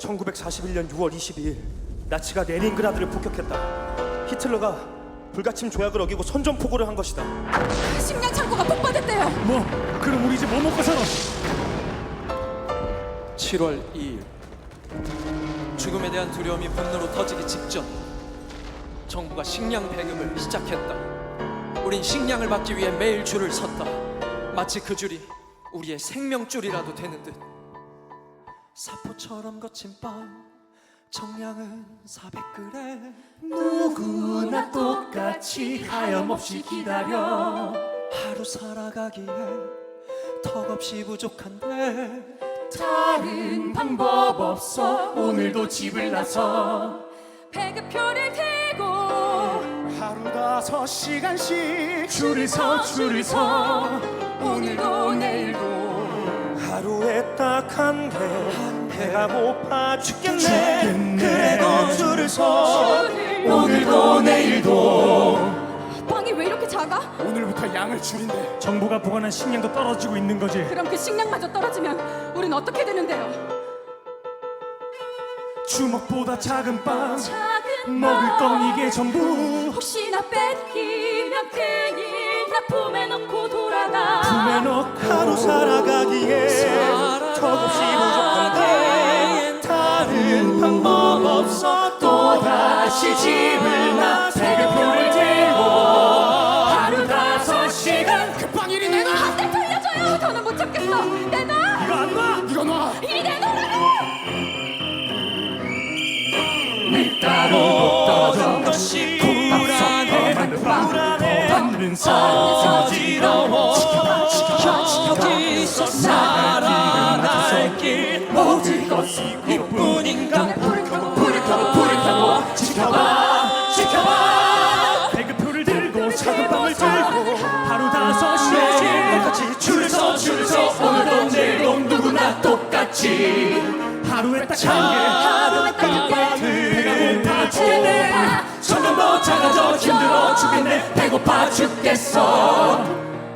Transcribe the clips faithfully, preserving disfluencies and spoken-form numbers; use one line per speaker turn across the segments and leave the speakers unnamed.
천구백사십일 년 유월 이십이일 나치가 레닌그라드를 폭격했다. 히틀러가 불가침 조약을 어기고 선전포고를 한 것이다.
식량 창고가 폭파됐대요.
뭐? 그럼 우리 이제 뭐 먹고 살아?
칠월 이일 죽음에 대한 두려움이 분노로 터지기 직전 정부가 식량 배급을 시작했다. 우린 식량을 받기 위해 매일 줄을 섰다. 마치 그 줄이 우리의 생명줄이라도 되는 듯. 사포처럼 거친 빵 정량은 사백 그램.
누구나 똑같이 하염없이 기다려.
하루 살아가기에 턱없이 부족한데
다른 방법 없어. 오늘도 집을 나서
배급표를 들고
하루 다섯 시간씩
줄을 서 줄을 서. 오늘도 내일도
하루에 딱 한 개. 배가 고파 죽겠네.
죽겠네.
그래도 줄을 서.
오늘도 내일도.
빵이 왜 이렇게 작아?
오늘부터 양을 줄인대.
정부가 보관한 식량도 떨어지고 있는 거지.
그럼 그 식량마저 떨어지면 우린 어떻게 되는데요?
주먹보다 작은 빵
작은
먹을
빵.
건 이게 전부.
혹시나 뺏기면 큰일. 나 품에 넣고 돌아가.
품에 넣고
하루 살아가기에 턱없이 부족한데 다른 방법 없어.
또 다시 집을 나. 배급표를 들고 하루 다섯 시간.
급방 일이 내놔.
내 돌려줘요. 더는 못 참겠어. 내놔.
이거 안 놔.
이거 놔.
이리 내놓으라고.
밀가루 떨어져
것이
불안해.
불안해.
받는 사람
어지러워. 여기서 살아날 길
모든 것이
이뿐인가.
불을 켜고
불을 켜고 불을 켜고 지켜봐 지켜봐. 배급표를 들고 작은 빵을 들고 하루 다섯 시간
똑같이
줄을 서 줄을 서. 오늘도 내일도 누구나 똑같이 하루에 딱 한 개.
하루에 딱 한 개.
배가 고파 죽겠네. 점점 더 작아져 힘들어 죽겠네. 배고파 죽겠어.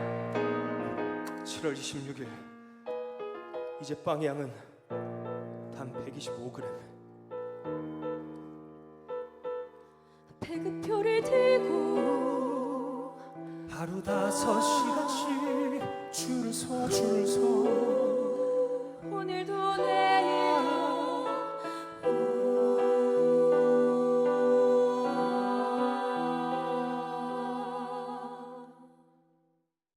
칠월 이십육일 이제 빵의 양은 단 백이십오 그램.
배급표를 들고
하루 다섯 시간씩